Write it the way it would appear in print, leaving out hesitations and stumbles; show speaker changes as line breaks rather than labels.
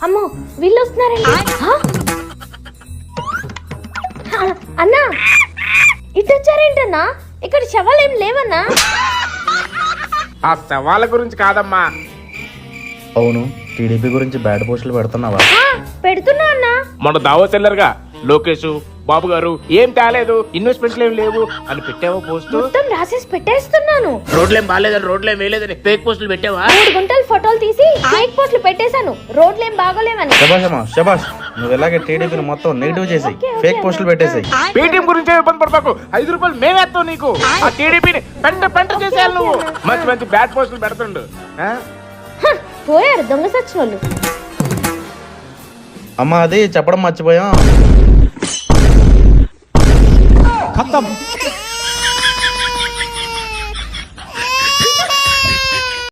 అమ్మో వీళ్ళు వస్తున్నారండి. అన్నా ఇటు వచ్చారేంటన్నా? ఇక్కడ శవాలు ఏం లేవన్నా?
ఆ శవాల గురించి కాదమ్మా.
అవును, టీడీపీ గురించి బ్యాడ్ పోస్టులు పెడుతున్నావా?
పెడుతున్నా అన్నా.
మన దావత్ వెళ్ళరుగా లోకేష్ బాబు గారు ఏం తేలేదు, ఇన్వెస్ట్మెంట్లు ఏం లేవు అని పెట్టావా పోస్ట్?
మొత్తం రాసేసి పెట్టేస్తున్నాను.
రోడ్లేం బాగాలేదని రోడ్లేం వేయలేదని ఫేక్ పోస్టులు పెట్టావా?
3 గుంటలు ఫోటోలు తీసి ఫేక్ పోస్టులు పెట్టేశాను, రోడ్లేం బాగోలేవని.
శబాష్ అమ్మా శబాష్, నువ్వు ఇలాగే టీడీపీని మొత్తం నెగిటివ్ చేసి ఫేక్ పోస్టులు పెట్టేసాయి.
పేటీఎం గురించి ఇబ్బంది పడతాకు, 5 రూపాయలు మేమేస్తావు నీకు. ఆ టీడీపీని పెంట చేసేయాలి నువ్వు. మంచి మంచి బ్యాడ్ పోస్టులు పెడుతుండు.
పోయారు దొంగ సచ్చినోళ్ళు.
అమ్మా అది చెప్పడం మర్చిపోయాం.
खत्म